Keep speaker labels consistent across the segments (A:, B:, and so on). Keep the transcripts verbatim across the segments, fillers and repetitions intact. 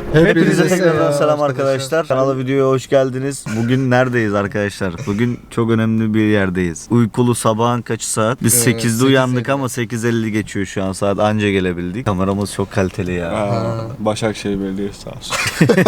A: Hepinize tekrardan selam arkadaşlar. Kanala videoya hoş geldiniz. Bugün neredeyiz arkadaşlar? Bugün çok önemli bir yerdeyiz. Uykulu sabahın kaçı saat? Biz evet, sekizde uyandık ama sekiz elli geçiyor şu an saat, anca gelebildik. Kameramız çok kaliteli ya.
B: Aa, Başakşehir Belediyesi sağ olsun.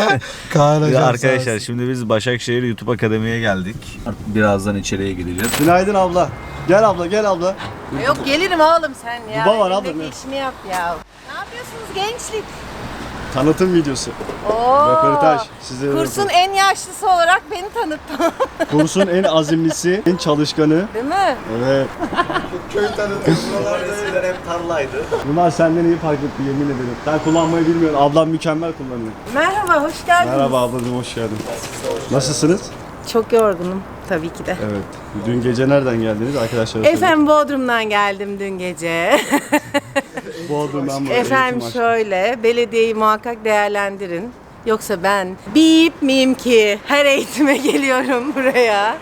A: Ya arkadaşlar şimdi biz Başakşehir YouTube Akademi'ye geldik. Birazdan içeriye gireceğiz.
B: Günaydın abla. Gel abla gel abla.
C: Yok gelirim oğlum sen ya.
B: Baba var abla.
C: Elindeki işini yap ya. Ne yapıyorsunuz gençlik?
B: Tanıtım videosu.
C: Oo.
B: Röportaj. Size
C: Kursun en yaşlısı olarak beni tanıttın.
B: Kursun en azimlisi, en çalışkanı.
C: Değil mi?
B: Evet.
A: Köy tanıtım. Buralar eskiden hep tarlaydı.
B: Bunlar senden iyi fark etti, yemin ederim. Ben kullanmayı bilmiyorum. Ablam mükemmel kullanıyor.
C: Merhaba, hoş geldiniz.
B: Merhaba ablacığım, hoş geldin. Nasılsınız?
C: Çok yorgunum tabii ki de.
B: Evet. Dün gece nereden geldiniz arkadaşlar?
C: Efendim Bodrum'dan geldim dün gece.
B: Bodrum'dan buraya.
C: Efendim şöyle, belediyeyi muhakkak değerlendirin. Yoksa ben bip miyim ki her eğitime geliyorum buraya.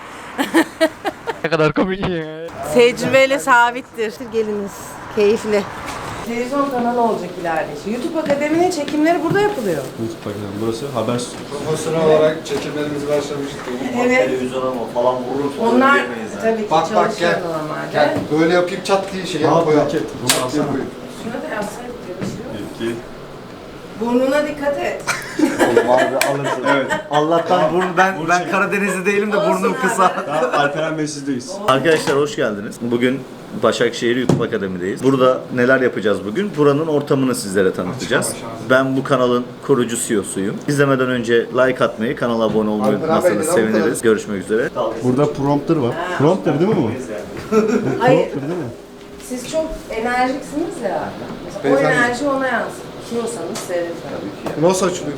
D: Ne kadar komik ya.
C: Tecrübeyle sabittir. Geliniz, keyifli. Televizyon kanalı olacak ileride. İşte YouTube Akademi'nin çekimleri burada yapılıyor.
B: YouTube bakacağım. Burası haber stüdyosu.
E: Profesyonel olarak çekimlerimiz başlamıştı.
C: Evet.
A: Televizyona mı falan vurur falan
C: Onlar
A: diyemeyiz yani.
C: tabii ki
E: Bak bak
C: çalışıyor
E: gel.
C: normalde.
E: Gel. Böyle yapayım çat diye şey
B: Aa,
E: yap koyalım.
B: paket. Bunu alsana.
C: Şuna da yazsaydık ya, bir şey yok.
B: İki.
C: Burnuna dikkat et.
A: Oğlum abi alırsın.
B: Evet.
A: Allah'tan burun, ben ben Karadenizli değilim de
C: Olsun
A: burnum
C: abi.
A: kısa.
B: Tamam, Alperen Bey sizdeyiz.
A: Arkadaşlar hoş geldiniz. Bugün Başakşehir YouTube Akademi'deyiz. Burada neler yapacağız bugün? Buranın ortamını sizlere tanıtacağız. Ben bu kanalın kurucu C E O'suyum. İzlemeden önce like atmayı, kanala abone olmayı unutmazsanız seviniriz. Görüşmek üzere.
B: Burada prompter var. Prompter değil mi bu?
C: Hayır,
B: Prompter değil mi?
C: siz çok enerjiksiniz ya. Mesela o
E: Beyefendi.
C: enerji ona yansır. İstiyorsanız seyredin.
E: Nasıl açılıyor?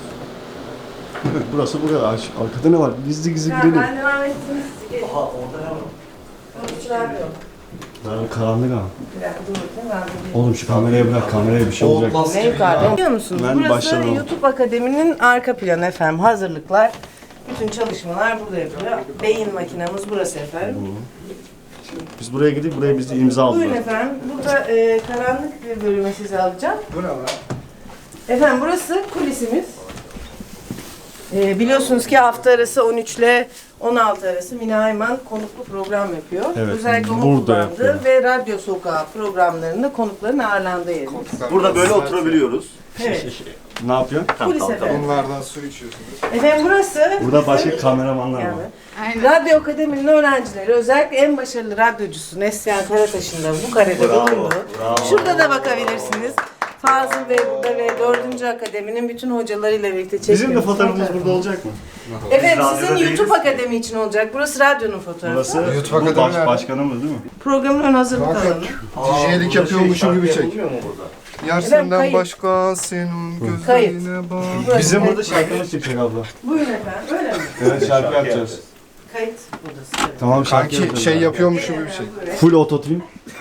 B: Evet, burası buraya. Ar- Arkada ne var? Gizli gizli
C: Ben,
B: girelim.
C: ben devam ettiniz. Gelin.
A: Aha orada ne var?
C: Konuşlar yok.
B: Lan karanlık ha.
C: Bir dakika dur bakayım. Ben de
B: Oğlum şu kameraya bırak, kameraya bir şey olacak.
E: Olmaz
C: Ne
E: gibi
C: yukarıda?
E: ya.
C: Biliyor musunuz?
B: Ben
C: Burası
B: başladım.
C: YouTube Akademi'nin arka planı efendim. Hazırlıklar, bütün çalışmalar burada yapılıyor. Beyin makinamız burası efendim.
B: Biz buraya gidip buraya bizi imza
C: Buyurun
B: aldılar.
C: efendim. Burada e, karanlık bir bölüme sizi alacağım.
E: Bu ne lan?
C: Efendim burası kulisimiz. E, biliyorsunuz ki hafta arası on üç ile on altı arası Mine Ayman konuklu program yapıyor.
B: Evet,
C: Özellikle onun
B: burada
C: kullandığı
B: yapıyor.
C: ve Radyo Sokağı programlarında konukların ağırlandığı yerimiz.
A: Burada böyle oturabiliyoruz.
C: Evet.
B: Ne yapıyorsun?
A: Tamam,
C: Kulis
A: tamam, tamam.
C: efendim.
E: Bunlardan su içiyorsunuz.
C: Efendim burası
B: Burada başka kameramanlar var.
C: yani, Radyo Akademi'nin öğrencileri, özellikle en başarılı radyocusu Neslihan Karataş'ın da bu karede
A: Bravo,
C: bulunduğu.
A: bravo.
C: Şurada da bakabilirsiniz. Fazıl Bey burada ve dördüncü Akademi'nin bütün hocalarıyla birlikte çekiyoruz.
B: Bizim de fotoğrafımız burada olacak mı?
C: Efendim
A: Biz
C: sizin
A: radyoda
C: YouTube
A: değiliz.
C: Akademi için olacak. Burası radyonun fotoğrafı.
B: Burası
E: YouTube
B: bu
E: Akademi
B: baş,
E: nerede?
B: başkanımız değil mi?
C: Programın ön hazırlık
E: Bak,
C: alanı.
E: D J'lik yapıyormuşum gibi çek.
A: Yapılmıyor mu burada?
E: Yar
C: Efendim,
E: senden
C: kayıt.
E: başka senin
C: Kayıt.
E: gözlerine bak.
C: Burası
B: Bizim
C: kayıt.
B: burada şarkımız çıkacak abla.
C: Buyurun efendim. Öyle mi?
B: Evet şarkı yapacağız.
C: Kayıt odası.
B: Tamam şarkı
E: Kanki
B: yapacağız.
E: şey yapıyormuşum gibi çek.
C: Buyurun.
B: Full ototune.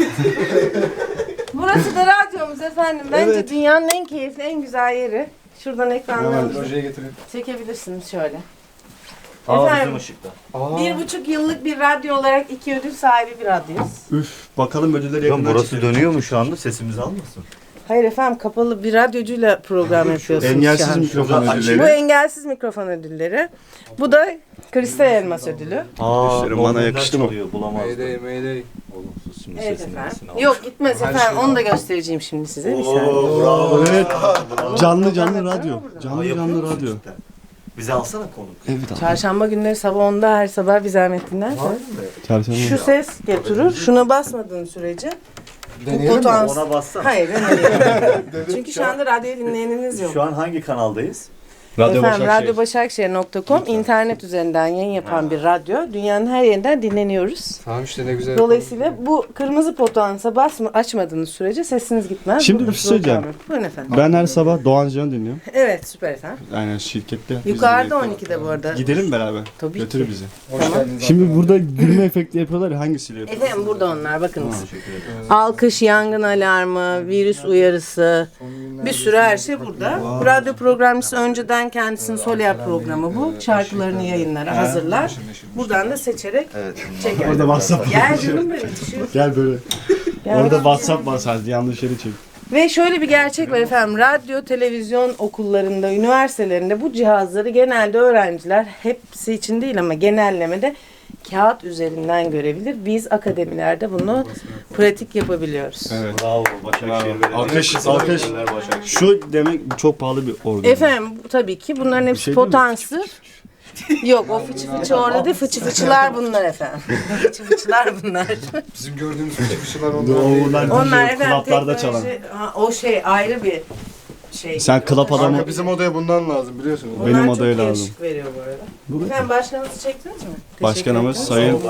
C: Burası da radyomuz efendim. Bence
B: Evet.
C: dünyanın en keyifli, en güzel yeri. Şuradan ekranlarımızı
E: Projeye getireyim.
C: çekebilirsiniz şöyle.
A: Aa
C: Efendim?
A: bizim ışıkta.
E: Aa.
C: Bir buçuk yıllık bir radyo olarak iki ödül sahibi bir radyoyuz.
B: Üf bakalım ödülleri yakından
A: Burası
B: çekelim.
A: dönüyor mu şu anda? Sesimizi almasın?
C: Hayır efendim, kapalı bir radyocuyla program yapıyorsunuz şu
B: Engelsiz
C: an.
B: mikrofon
A: Burada
B: ödülleri.
C: Bu engelsiz mikrofon ödülleri. Bu da Kristal Elmas ödülü.
A: Aa,
B: İşlerim bana yakıştı mı?
A: Bulamazdım.
E: Mayday mayday.
A: Olumsuz şimdi
C: Evet
A: sesini
C: efendim.
A: sesini al.
C: Yok gitmez
E: Her
C: efendim,
E: şey
C: onu da göstereceğim şimdi size. Bir saniye.
A: Oo, bravo.
B: Evet. Canlı canlı
C: Program
B: radyo.
C: yapıyor mu
B: Canlı
A: Aa, yapıyor
B: canlı
A: musun
B: radyo.
A: cidden? Bizi alsana konuk.
B: Evet abi.
C: Çarşamba günleri sabah onda her sabah bir zahmet dinlerseniz.
B: Çarşamba.
C: Şu ses getirir. Şuna basmadığın sürece.
E: Deneyelim mi?
C: potans-
A: Ona bassana.
C: Hayır deneyelim. Çünkü şu anda radyoyu dinleyeniniz yok.
A: Şu an hangi kanaldayız?
B: Radyo
C: Efendim
B: Başakşehir.
C: radyo başakşehir nokta com internet üzerinden yayın yapan bir radyo. Dünyanın her yerinden dinleniyoruz.
E: Tamam işte ne güzel.
C: Dolayısıyla bu kırmızı potansa basma, açmadığınız sürece sesiniz gitmez.
B: Şimdi
C: Bu
B: bir şey söyleyeceğim.
C: program. Buyurun efendim.
B: Ben her sabah Doğan Can'ı dinliyorum.
C: Evet süper efendim.
B: Aynen şirkette. Biz
C: Yukarıda
B: dinliyoruz.
C: on ikide bu arada.
B: Gidelim beraber.
C: Tabii
B: Götür
C: ki.
B: bizi.
E: Hoş geldiniz.
B: Şimdi burada gülme efekti yapıyorlar ya, hangisiyle yapıyorlar?
C: Efendim burada onlar bakınız. Alkış, yangın alarmı, virüs uyarısı, bir sürü her şey burada. Bu radyo programcısı önceden kendisinin Soler programı bu. Şarkılarını yayınlara hazırlar. Buradan da seçerek çeker.
B: Orada WhatsApp.
C: Gel canım benim. bir şey yok.
B: Gel böyle.
C: Gel.
B: Orada WhatsApp basardı, yanlış yere çek.
C: Ve şöyle bir gerçek var efendim. Radyo, televizyon okullarında, üniversitelerinde bu cihazları genelde öğrenciler, hepsi için değil ama genellemede kağıt üzerinden görebilir. Biz akademilerde bunu pratik yapabiliyoruz.
B: Evet.
A: Bravo. Başakşehir
B: Alkış, alkış. Şu demek çok pahalı bir organ.
C: Efendim bu tabii ki bunların hepsi
B: şey değil mi?
C: potansı. Yok o fıçı fıçı orada değil, fıçı fıçılar bunlar efendim. Fıçı fıçılar bunlar.
E: Bizim gördüğümüz fıçılar onlar
B: Onlar
E: değil.
B: onlar
C: Onlar efendim
B: klaplarda çalan.
C: teknoloji, ha, o şey ayrı bir şey.
B: Sen klap adamı.
E: Kanka bizim odaya bundan lazım biliyorsunuz.
C: Onlar
B: benim
C: çok
B: odaya
C: iyi
B: lazım.
C: ışık veriyor bu arada. Efendim başkanımızı çektiniz mi? Teşekkür
B: Başkanımız
C: ettiniz.
B: Sayın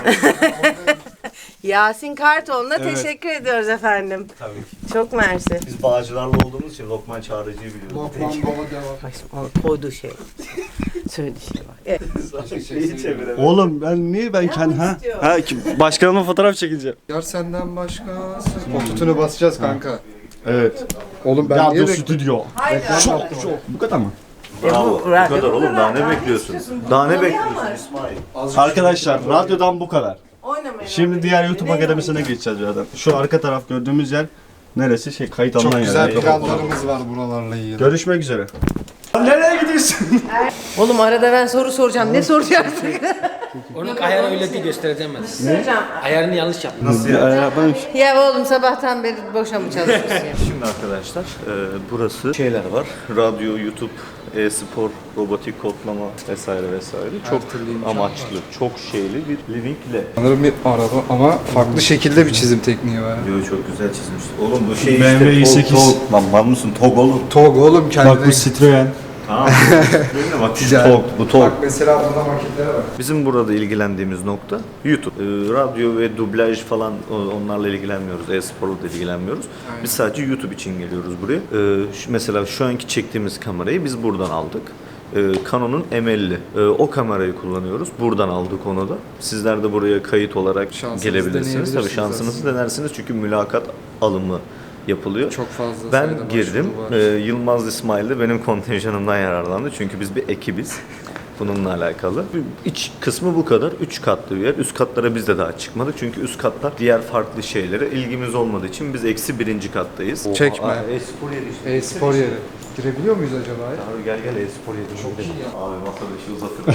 C: Yasin Kartoğlu'na
B: Evet.
C: teşekkür ediyoruz efendim.
A: Tabii ki.
C: Çok mersi.
A: Biz Bağcılar'la olduğumuz için Lokman Çağrıcı'yı biliyoruz.
E: Lokman baba devam.
C: Bak o koyduğu şey. Söylediği şey var. Evet.
A: Neyi çevirelim?
B: Oğlum ben niye ben kendi ha?
C: istiyor?
B: Ha ki başkanıma fotoğraf çekileceğim.
E: Yar senden başka. O tutunu basacağız kanka.
B: Evet.
E: Oğlum ben
B: Radyo
E: niye bekliyorum?
B: stüdyo.
C: Haydi.
B: Çok çok. Bu kadar mı?
A: Bravo.
C: bu
A: Bu
C: radyo
A: kadar
C: bu
A: oğlum.
C: kadar.
A: Daha ne
C: Daha ne
A: bekliyorsun?
C: istiyorsun?
A: Daha ne
C: Oynamayan
A: bekliyorsun
C: var.
A: İsmail?
B: Arkadaşlar radyodan bu kadar.
C: Oynamayın.
B: Şimdi
C: abi.
B: diğer YouTube
C: Ne
B: akademisine
C: oynayacağız?
B: geçeceğiz birazdan. Şu arka taraf gördüğümüz yer neresi? Şey kayıt alınan
E: Çok
B: yer.
E: güzel
B: Yani.
E: planlarımız var buralarla ilgili.
B: Görüşmek üzere. Nereye gidiyorsun?
C: Oğlum arada ben soru soracağım. Ne soracaksın?
F: Onun ayarı öyle değil göstereceğim ben.
C: Soracağım.
F: Ayarını yanlış yaptın.
A: Nasıl ya?
C: Ya oğlum sabahtan beri boşa mı çalışıyorsun ya?
A: Şimdi arkadaşlar e, burası şeyler var. Radyo, YouTube, e-spor, robotik kodlama vesaire vesaire. Çok
E: türlü imkan
A: amaçlı, çok şeyli bir living lab.
E: Sanırım bir araba ama farklı şekilde bir çizim tekniği var.
A: Yo çok güzel çizmiş. Oğlum bu şey
B: B M W
A: işte
B: i
A: tog,
B: sekiz.
A: tog. Lan var mısın? Tog oğlum.
E: Tog oğlum
B: Bak
E: kendine.
B: bu Citroen.
A: Tamam. Değil mi? Bak şu
E: Güzel.
A: tog, bu tog.
E: Bak mesela burada maketlere bak.
A: Bizim burada ilgilendiğimiz nokta YouTube. Ee, radyo ve dublaj falan o- onlarla ilgilenmiyoruz. E-sporla da ilgilenmiyoruz. Biz sadece YouTube için geliyoruz buraya. Ee, şu, mesela şu anki çektiğimiz kamerayı biz buradan aldık. Ee, Canon'un M elli. Ee, o kamerayı kullanıyoruz. Buradan aldık onu da. Sizler de buraya kayıt olarak
E: Şansınızı
A: gelebilirsiniz. Tabii
E: deneyebilirsiniz
A: şansınızı
E: aslında.
A: denersiniz çünkü mülakat alımı yapılıyor.
E: Çok fazla
A: Ben
E: sayıda
A: girdim.
E: başvuru
A: Ee,
E: var.
A: Yılmaz İsmail de benim kontenjanımdan yararlandı. Çünkü biz bir ekibiz. Bununla alakalı. İç kısmı bu kadar. Üç katlı bir yer. Üst katlara biz de daha çıkmadık. Çünkü üst katlar diğer farklı şeylere ilgimiz olmadığı için biz eksi birinci kattayız.
E: Çekme.
A: Aa, E-spor yeri işte.
E: E-spor yeri. Girebiliyor muyuz acaba ya?
A: Abi gel gel e-spor yeri. Çok iyi ya. Abi masada işi uzatır.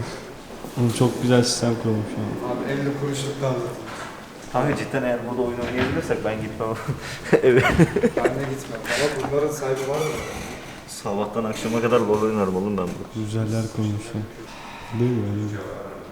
B: Oğlum çok güzel sistem kurulmuş ya.
E: Abi elli kuruşluk lazım.
A: Abi cidden eğer burada oyun oynayabilirsek ben gitmem. Evet.
E: Ben de gitmem. Ama bunların sahibi var mı?
A: Sabahtan akşama kadar LoL oynarım oğlum ben burada.
B: Güzeller kurulmuş ya. Değil mi? Öyle bir-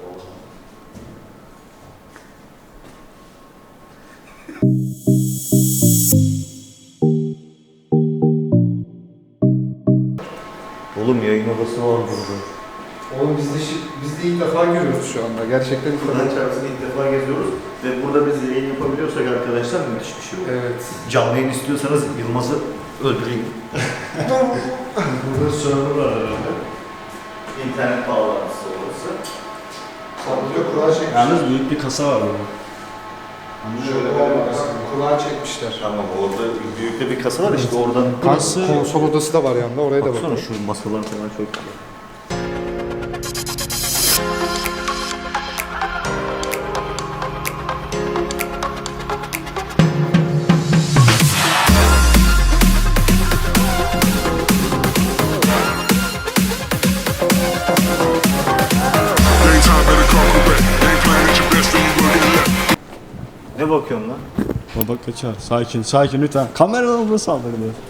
A: Oğlum yayın odası var burada.
E: Oğlum biz de, şi- biz de ilk defa görüyoruz şu anda. Gerçekten ilk
A: Buradan
E: defa.
A: çarpısını ilk defa geziyoruz ve burada biz yayın yapabiliyorsak arkadaşlar müthiş bir şey olur.
E: Evet.
A: Canlı yayın istiyorsanız Yılmaz'ı öldüreyim. Burada server var herhalde. İnternet bağlantısı orası.
E: Burada kura çekmişler.
B: Yalnız büyük bir kasa var burada.
E: Şöyle bir kura çekmişler.
A: Tamam orada büyük de bir kasa var işte oradan.
B: Kası-
E: Konsol odası da var yanında. Oraya da
A: Baksana
E: bakalım.
A: şu masalar falan çok güzel. Ne bakıyorsun lan?
B: Baba kaçar. Sakin, sakin lütfen. Kameradan burası saldırdı.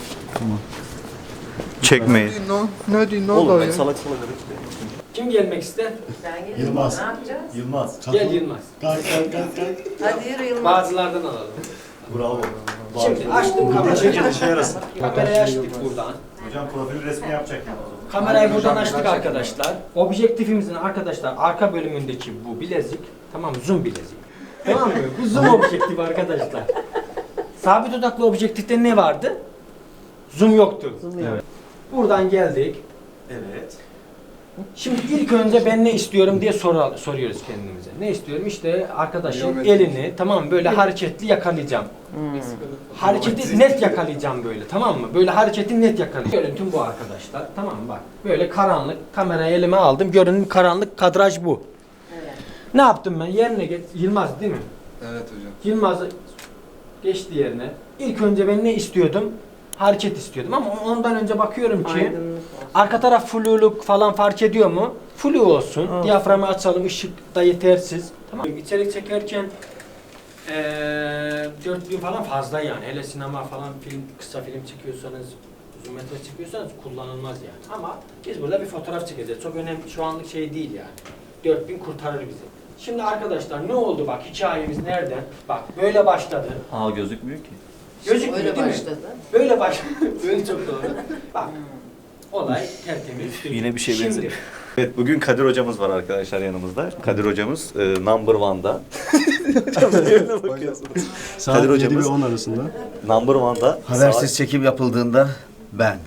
A: Çekmeyin.
E: Ne, ne diyorsun? Ne
A: Oğlum
E: oldu
A: ben
E: ya?
A: salak salak hareket
F: Kim gelmek ister?
C: Ben gelirim.
B: Yılmaz.
C: Ne yapacağız?
A: Yılmaz.
F: Gel Yılmaz.
B: Kalk kalk kalk kalk.
C: Hadi yürü Yılmaz.
F: Bazılardan alalım.
A: Bravo.
F: Şimdi açtım kamerayı.
A: Çekin işe yarasın.
F: Kamerayı açtık buradan.
A: Hocam profil resmi yapacak yani o zaman.
F: Kamerayı buradan açtık arkadaşlar. Objektifimizin arkadaşlar arka bölümündeki bu bilezik, tamam mı? Zoom bilezik. Tamam mı? Bu zoom objektifi arkadaşlar. Sabit odaklı objektifte ne vardı? Zoom yoktu.
B: Evet.
F: Buradan geldik.
A: Evet.
F: Şimdi ilk önce ben ne istiyorum diye soru, soruyoruz kendimize. Ne istiyorum? İşte arkadaşın
E: Geometri.
F: elini tamam mı böyle hareketli yakalayacağım. Hareketi net yakalayacağım böyle tamam mı? Böyle hareketi net yakalayacağım. Görüntüm bu arkadaşlar tamam mı bak. Böyle karanlık kamerayı elime aldım. Görünüm karanlık kadraj bu.
C: Evet.
F: Ne yaptım ben? Yerine geç. Yılmaz değil mi?
E: Evet hocam.
F: Yılmaz'ı Geçti yerine. İlk önce ben ne istiyordum? Hareket istiyordum ama ondan önce bakıyorum ki
C: Aydınlık.
F: arka taraf fluluk falan fark ediyor mu? Flu olsun.
C: Olsun.
F: Diyaframı açalım. Işık da yetersiz. Tamam. İçerik çekerken ee, dörtlüğü falan fazla yani. Hele sinema falan film, kısa film çekiyorsanız, uzun metraj çekiyorsanız kullanılmaz yani. Ama biz burada bir fotoğraf çekeceğiz. Çok önemli, şu anlık şey değil yani. dört bin kurtarır bizi. Şimdi arkadaşlar ne oldu bak, hikayemiz nereden? Bak böyle başladı.
A: Aa gözükmüyor ki.
F: Gözükmüyor
C: Öyle
F: değil
C: başladı.
F: mi? Böyle başladı. Böyle çok doğru. Bak olay tertemiz.
A: Yine bir şey
F: Şimdi,
A: benziyor. Evet bugün Kadir hocamız var arkadaşlar yanımızda. Kadir hocamız e, number one'da. Hocam yerine bakıyorsunuz.
B: Saat
A: Kadir
B: yedi ve
A: hocamız
B: on arasında.
A: number one'da
G: Habersiz çekim yapıldığında ben.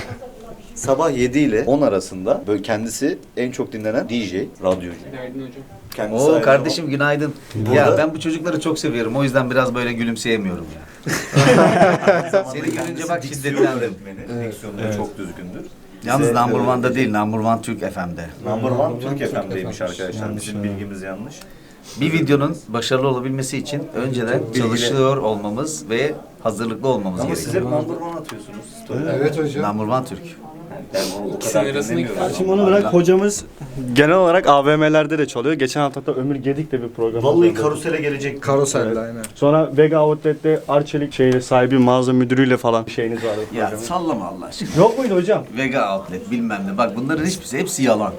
A: sabah yedi ile on arasında böyle kendisi en çok dinlenen D J, radyocu.
D: Günaydın hocam.
A: Kendisi
G: Oo
A: aynı
G: kardeşim günaydın.
A: Burada-
G: Ya ben bu çocukları çok seviyorum. O yüzden biraz böyle gülümseyemiyorum ya.
A: zamanda
G: Seni görünce
A: kendisi
G: bak
A: diksiyon
G: şiddetlendim.
A: öğretmeni. Diksiyonu da çok düzgündür.
G: Yalnız
A: Bize,
G: number
A: e,
G: one'da değil, number one Türk F M'de.
A: Number one Türk
E: Türk
A: F M'deymiş
E: F M'miş.
A: arkadaşlar.
B: Yanlış,
A: Bizim
B: evet.
A: bilgimiz yanlış.
G: Bir videonun başarılı olabilmesi için önceden
A: bilgili.
G: çalışıyor olmamız ve hazırlıklı olmamız
A: Ama siz
G: gerekiyor.
A: hep number one atıyorsunuz. story'lerde.
E: Evet hocam.
G: Number one Türk.
A: Yani o, o
D: İkisinin
A: kadar
D: arasındaki
A: dinlemiyorum.
B: Şimdi onu bırak, hocamız genel olarak A V M'lerde de çalıyor. Geçen hafta da Ömür Gedik de bir program.
A: Vallahi
B: hazırladı.
A: karusele gelecek.
E: Karoselle aynen.
B: Sonra Vega Outlet'te Arçelik şeyi sahibi mağaza müdürüyle falan bir şeyiniz vardı.
G: Ya
B: programın.
G: sallama Allah aşkına.
B: Yok muydu hocam?
G: Vega Outlet bilmem ne. Bak bunların hiçbirisi hepsi yalan.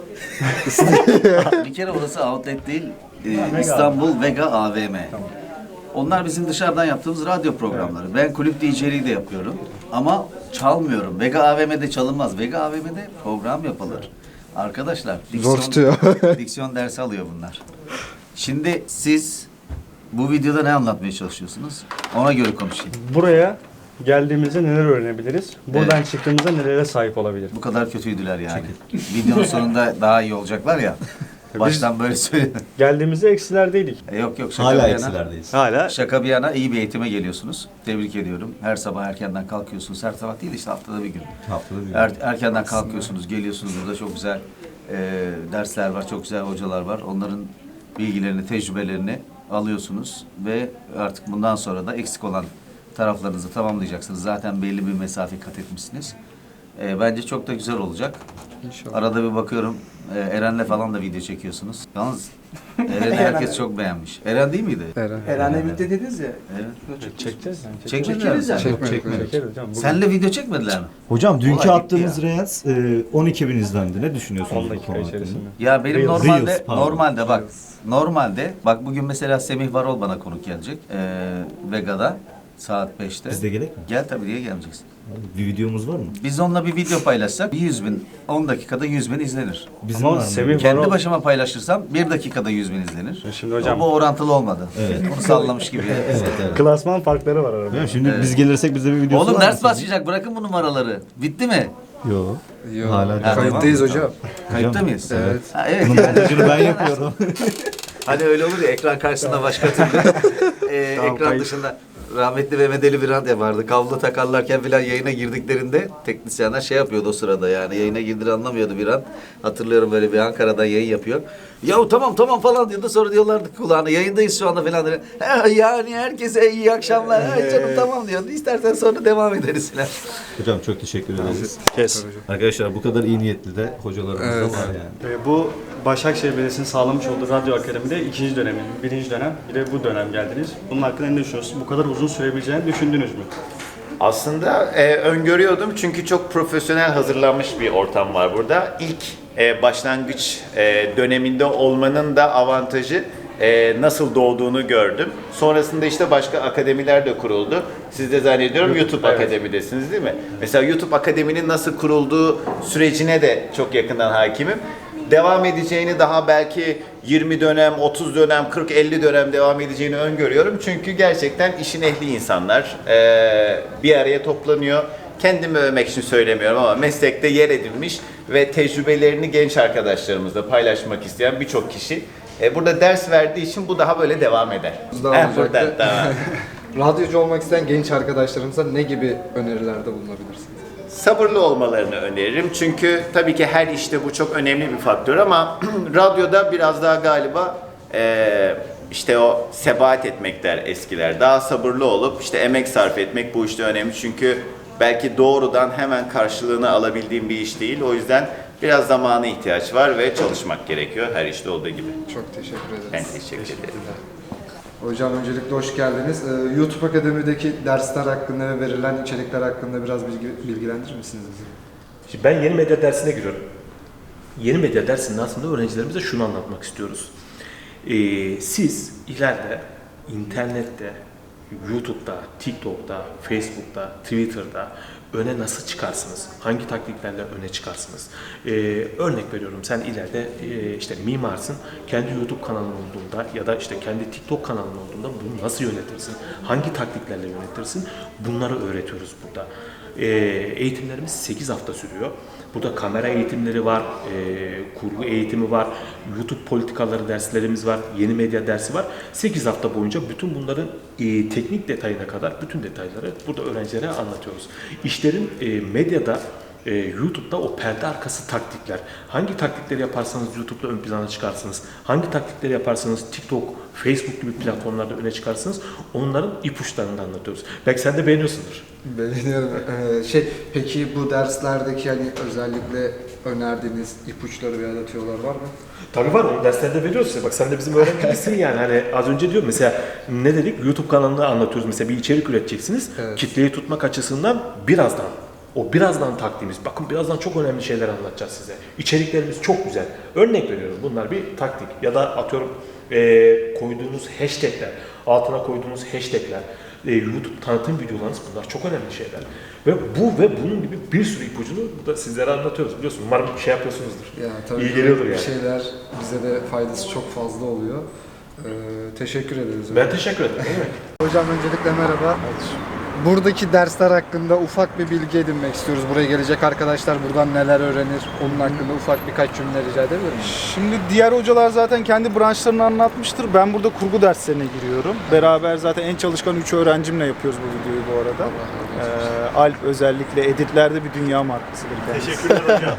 G: Bir kere orası outlet değil. e, İstanbul Vega A V M. Onlar bizim dışarıdan yaptığımız radyo programları. Ben kulüp D J'liği de yapıyorum. Ama çalmıyorum. Vega A V M'de çalınmaz. Vega A V M'de program yapılır. Arkadaşlar diksiyon,
E: Zor tutuyor.
G: diksiyon dersi alıyor bunlar. Şimdi siz bu videoda ne anlatmaya çalışıyorsunuz? Ona göre konuşayım.
B: Buraya geldiğimizde neler öğrenebiliriz? Buradan çıktığımızda nelere sahip olabilir?
G: Bu kadar kötüydüler yani. Videonun sonunda daha iyi olacaklar ya. Baştan böyle söyle.
B: Geldiğimizde eksilerdeydik.
G: E, Yok yok şaka
A: Hala
G: bir yana.
A: eksilerdeyiz.
B: Hala
G: Şaka bir yana iyi bir eğitime geliyorsunuz. Tebrik ediyorum. Her sabah erkenden kalkıyorsunuz. Her sabah değil işte haftada bir gün.
A: Haftada bir.
G: Er, erkenden kalkıyorsunuz, geliyorsunuz. Burada çok güzel e, dersler var, çok güzel hocalar var. Onların bilgilerini, tecrübelerini alıyorsunuz ve artık bundan sonra da eksik olan taraflarınızı tamamlayacaksınız. Zaten belli bir mesafe kat etmişsiniz. E, bence çok da güzel olacak.
E: İnşallah.
G: Arada bir bakıyorum e, Eren'le falan da video çekiyorsunuz. Yalnız Eren'i herkes çok beğenmiş. Eren değil miydi?
E: Eren.
F: Herhalde birlikte dediniz ya.
G: Evet.
B: çekeceğiz. Yani.
G: Çekmediler mi?
F: Çekeriz
E: Çekmedik.
F: Çekmedik.
B: Çekeriz hocam. Bugün
G: Senle video çekmediler mi?
H: Hocam dünkü
G: Olay bitti
H: attığımız
G: ya.
H: Reels e, on iki bin izlendi. Ne düşünüyorsunuz
B: on
H: bu
B: dakika
H: konu hakkında?
B: içerisinde.
G: Ya benim
B: Reels.
G: normalde
H: Reels, pardon.
G: normalde bak normalde bak bugün mesela Semih Varol bana konuk gelecek ee, Vega'da saat beşte.
H: Biz de gerek mi?
G: Gel tabii diye gelmeyeceksin.
H: Bir videomuz var mı?
G: Biz onunla bir video paylaşsak yüz bin on dakikada yüz bin izlenir.
H: Bizim
B: Ama
H: var mı?
B: Semih-
G: Kendi
B: Varol-
G: başıma paylaşırsam bir dakikada yüz bin izlenir.
B: Şimdi hocam-
G: Bu orantılı olmadı.
H: Evet.
G: Onu sallamış gibi.
H: Evet, evet.
B: Klasman farkları var arada.
H: Değil mi? Şimdi biz gelirsek bize bir videosu
G: Oğlum
H: var
G: ders
H: mı?
G: başlayacak bırakın bu numaraları. Bitti mi?
H: Yok.
E: Yok.
H: Hala devam.
E: Kayıttayız hocam.
G: Kayıtta mıyız?
E: Evet.
G: Ha, evet.
H: Bunun
G: yani-
H: montajını ben yapıyorum.
G: Hani öyle olur ya ekran karşısında başka türlü. Ee,
B: Tamam,
G: ekran
B: kayıt.
G: dışında rahmetli Mehmet Ali Birant vardı. Kablo takarlarken falan yayına girdiklerinde teknisyenler şey yapıyordu o sırada yani. Yayına girdiğini anlamıyordu Birant. Hatırlıyorum böyle bir Ankara'dan yayın yapıyor. Ya tamam tamam falan diyordu. Sonra diyorlardı kulağına yayındayız şu anda falan. Diyor. "Ha, yani herkese iyi akşamlar. Ha, canım tamam diyordu. İstersen sonra devam ederiz falan.
H: Hocam çok teşekkür ederiz.
B: Kes.
H: Arkadaşlar bu kadar iyi niyetli de hocalarımız
E: Evet.
H: da var yani.
B: Ee, bu Başakşehir Belediyesi'nin sağlamış olduğu Radyo Akademi'de ikinci dönemin, birinci dönem, bir de bu dönem geldiniz. Bunun hakkında ne düşünüyorsunuz? Bu kadar uzun sürebileceğini düşündünüz mü?
I: Aslında e, öngörüyordum çünkü çok profesyonel hazırlanmış bir ortam var burada. İlk e, başlangıç e, döneminde olmanın da avantajı e, nasıl doğduğunu gördüm. Sonrasında işte başka akademiler de kuruldu. Siz de zannediyorum YouTube,
B: YouTube, evet.
I: Akademi'desiniz değil mi? Mesela YouTube Akademi'nin nasıl kurulduğu sürecine de çok yakından hakimim. Devam edeceğini daha belki yirmi dönem, otuz dönem, kırk elli dönem devam edeceğini öngörüyorum. Çünkü gerçekten işin ehli insanlar eee, bir araya toplanıyor. Kendimi övmek için söylemiyorum ama meslekte yer edinmiş ve tecrübelerini genç arkadaşlarımızla paylaşmak isteyen birçok kişi e, burada ders verdiği için bu daha böyle devam eder.
E: Daha
I: Heh,
E: olacaktı.
I: buradan, tamam.
E: Radyocu olmak isteyen genç arkadaşlarımıza ne gibi önerilerde bulunabilirsiniz?
I: Sabırlı olmalarını öneririm. Çünkü tabii ki her işte bu çok önemli bir faktör ama radyoda biraz daha galiba e, İşte o sebat etmek der eskiler. Daha sabırlı olup işte emek sarf etmek bu işte önemli. Çünkü belki doğrudan hemen karşılığını alabildiğim bir iş değil. O yüzden biraz zamana ihtiyaç var ve çalışmak gerekiyor her işte olduğu gibi.
E: Çok teşekkür ederiz.
I: Ben teşekkür ederim.
E: Hocam öncelikle hoş geldiniz. Ee, YouTube Akademi'deki dersler hakkında ve verilen içerikler hakkında biraz bilgi, bilgilendirir misiniz bizi?
J: Şimdi ben yeni medya dersine giriyorum. Yeni medya dersinde aslında öğrencilerimize şunu anlatmak istiyoruz. Ee, siz ileride internette, YouTube'da, TikTok'ta, Facebook'ta, Twitter'da öne nasıl çıkarsınız? Hangi taktiklerle öne çıkarsınız? Ee, örnek veriyorum, sen ileride e, işte mimarsın, kendi YouTube kanalın olduğunda ya da işte kendi TikTok kanalın olduğunda bunu nasıl yönetirsin? Hangi taktiklerle yönetirsin? Bunları öğretiyoruz burada. Ee, eğitimlerimiz sekiz hafta sürüyor. Burada kamera eğitimleri var, e, kurgu eğitimi var, YouTube politikaları derslerimiz var, yeni medya dersi var. sekiz hafta boyunca bütün bunların e, teknik detayına kadar bütün detayları burada öğrencilere anlatıyoruz. İşlerin e, medyada, e, YouTube'da o perde arkası taktikler. Hangi taktikleri yaparsanız YouTube'da ön plana çıkarsınız. Hangi taktikleri yaparsanız TikTok, Facebook gibi platformlarda öne çıkarsınız. Onların ipuçlarını da anlatıyoruz. Belki sen de beğeniyorsundur.
E: Beğeniyorum. Ee, şey, peki bu derslerdeki hani özellikle önerdiğiniz ipuçları veya da tüyolar var mı?
J: Tabii var, o derslerde veriyoruz size. Bak sen de bizim öğrencimizsin yani. Hani az önce diyorum mesela ne dedik? YouTube kanalını anlatıyoruz. Mesela bir içerik üreteceksiniz.
E: Evet.
J: Kitleyi tutmak açısından birazdan. O birazdan taktiğimiz. Bakın birazdan çok önemli şeyler anlatacağız size. İçeriklerimiz çok güzel. Örnek veriyorum. Bunlar bir taktik. Ya da atıyorum e, koyduğunuz hashtagler, altına koyduğunuz hashtagler, e, YouTube tanıtım videolarınız, bunlar çok önemli şeyler. Ve bu ve bunun gibi bir sürü ipucunu burada sizlere anlatıyoruz. Biliyorsun, umarım bir şey yapıyorsunuzdur.
E: Ya, tabii
J: İyi geliyordur
E: bu
J: yani.
E: şeyler bize de faydası çok fazla oluyor. Ee, teşekkür ederiz.
J: Ben teşekkür ederim. Ne demek?
E: Hocam öncelikle merhaba. Buradaki dersler hakkında ufak bir bilgi edinmek istiyoruz. Buraya gelecek arkadaşlar buradan neler öğrenir? Onun hakkında ufak birkaç cümle rica edebilir miyim?
K: Şimdi diğer hocalar zaten kendi branşlarını anlatmıştır. Ben burada kurgu derslerine giriyorum. Beraber zaten en çalışkan üç öğrencimle yapıyoruz bu videoyu bu arada. Ee, Alp özellikle editlerde bir dünya markasıdır kendisi.
J: Teşekkürler hocam.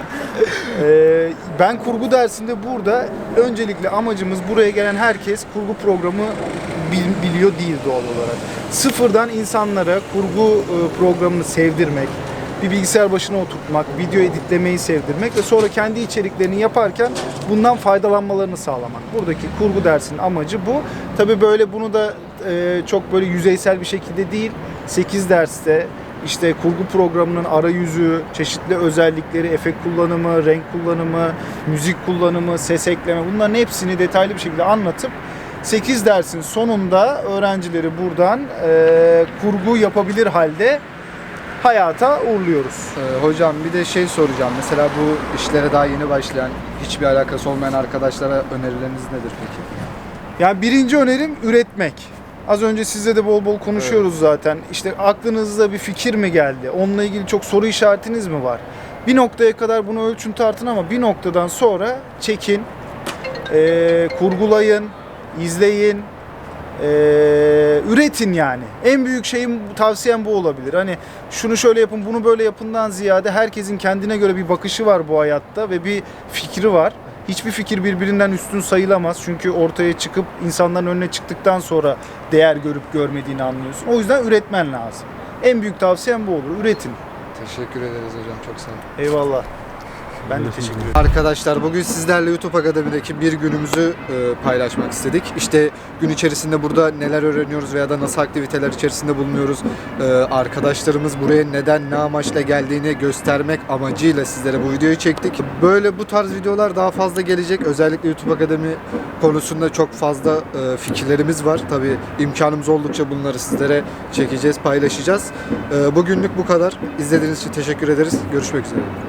K: Ee, ben kurgu dersinde burada öncelikle amacımız buraya gelen herkes kurgu programı bil- biliyor değil doğal olarak. Sıfırdan insanlara kurgu e, programını sevdirmek, bir bilgisayar başına oturtmak, video editlemeyi sevdirmek ve sonra kendi içeriklerini yaparken bundan faydalanmalarını sağlamak. Buradaki kurgu dersinin amacı bu. Tabii böyle bunu da e, çok böyle yüzeysel bir şekilde değil, sekiz derste İşte kurgu programının arayüzü, çeşitli özellikleri, efekt kullanımı, renk kullanımı, müzik kullanımı, ses ekleme, bunların hepsini detaylı bir şekilde anlatıp sekiz dersin sonunda öğrencileri buradan e, kurgu yapabilir halde hayata uğurluyoruz.
E: Ee, hocam bir de şey soracağım. Mesela bu işlere daha yeni başlayan, hiçbir alakası olmayan arkadaşlara önerileriniz nedir peki?
K: Yani birinci önerim üretmek. Az önce sizle de bol bol konuşuyoruz evet. Zaten. İşte aklınızda bir fikir mi geldi? Onunla ilgili çok soru işaretiniz mi var? Bir noktaya kadar bunu ölçün tartın ama bir noktadan sonra çekin, e, kurgulayın, izleyin, e, üretin yani. En büyük şeyim, tavsiyem bu olabilir. Hani şunu şöyle yapın, bunu böyle yapından ziyade herkesin kendine göre bir bakışı var bu hayatta ve bir fikri var. Hiçbir fikir birbirinden üstün sayılamaz. Çünkü ortaya çıkıp insanların önüne çıktıktan sonra değer görüp görmediğini anlıyorsun. O yüzden üretmen lazım. En büyük tavsiyem bu olur. Üretin.
E: Teşekkür ederiz hocam. Çok sağ olun.
K: Eyvallah. Ben de teşekkür ederim.
E: Arkadaşlar bugün sizlerle YouTube Akademi'deki bir günümüzü e, paylaşmak istedik. İşte gün içerisinde burada neler öğreniyoruz veya da nasıl aktiviteler içerisinde bulunuyoruz. E, arkadaşlarımız buraya neden, ne amaçla geldiğini göstermek amacıyla sizlere bu videoyu çektik. Böyle bu tarz videolar daha fazla gelecek. Özellikle YouTube Akademi konusunda çok fazla e, fikirlerimiz var. Tabii imkanımız oldukça bunları sizlere çekeceğiz, paylaşacağız. E, bugünlük bu kadar. İzlediğiniz için teşekkür ederiz. Görüşmek üzere.